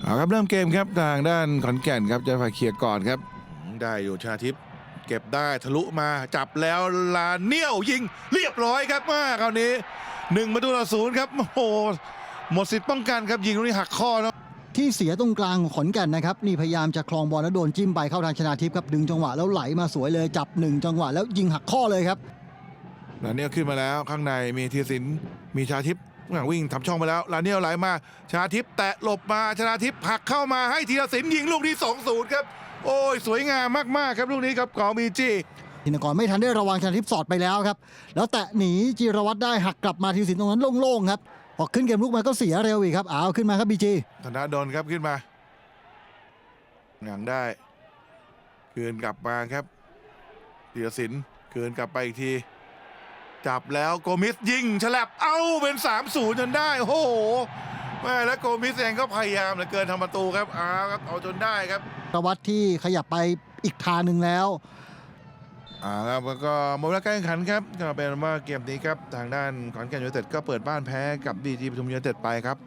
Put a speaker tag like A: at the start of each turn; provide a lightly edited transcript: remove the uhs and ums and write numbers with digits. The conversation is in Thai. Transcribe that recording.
A: เอาครับเริ่มเกมครับทางด้านขอนแก่นครับจะฝ่ายเคลียร์ก่อนครับได้อยู่ชนาทิพย์เก็บได้ทะลุมาจับแล้วลาเนียวยิงเรียบร้อยครับมาคราวนี้1-0ครับโอ้โหหมดสิทธิ์ป้องกันครับยิงตรงนี้หักข้อเนาะ
B: ที่เสียตรงกลางของขอนแก่นนะครับนี่พยายามจะคลองบอลแล้วโดนจิ้มไปเข้าทางชนาทิพย์ครับดึงจังหวะแล้วไหลมาสวยเลยจับ1จังหวะแล้วยิงหักข้อเลยครับ
A: ลาเนียวขึ้นมาแล้วข้างในมีธีรศิลป์มีชนาทิพย์วิ่งทำช่องไปแล้วลาเนียวไหลมาชนาทิพย์แตะหลบมาชนาทิพย์ผลักเข้ามาให้ธีรศิลป์ยิงลูกที่2-0ครับโอ้ยสวยงามมากๆครับลูกนี้ครับของบีจี
B: ธินกรไม่ทันได้ระวังชนาทิพย์สอดไปแล้วครับแล้วแตะหนีจิรวัตรได้หักกลับมาทีสินตรงนั้นโล่งๆครับพอขึ้นเกมลุกมาก็เสียเร็วอีกครับเอาขึ้นมาครับบีจี
A: ธนาดลครับขึ้นมาหงังได้คืนกลับมาครับธีรศิลป์คืนกลับไปอีกทีจับแล้วโกมิสยิงฉลับเอ้าเป็น3-0จนได้โอ้โหแม่แล้วโกมิสเองก็พยายามเหลือเกินทำประตูครับครับเอาจนได้ครับ
B: จิรวัตรที่ขยับไปอีกทางหนึ่งแล้ว
A: ครับแล้วก็หมดเวลาการแข่งขันครับก็เป็นว่าเกมนี้ครับทางด้านขอนแก่นยูไนเต็ดก็เปิดบ้านแพ้กับบีจีปทุมยูไนเต็ดไปครับ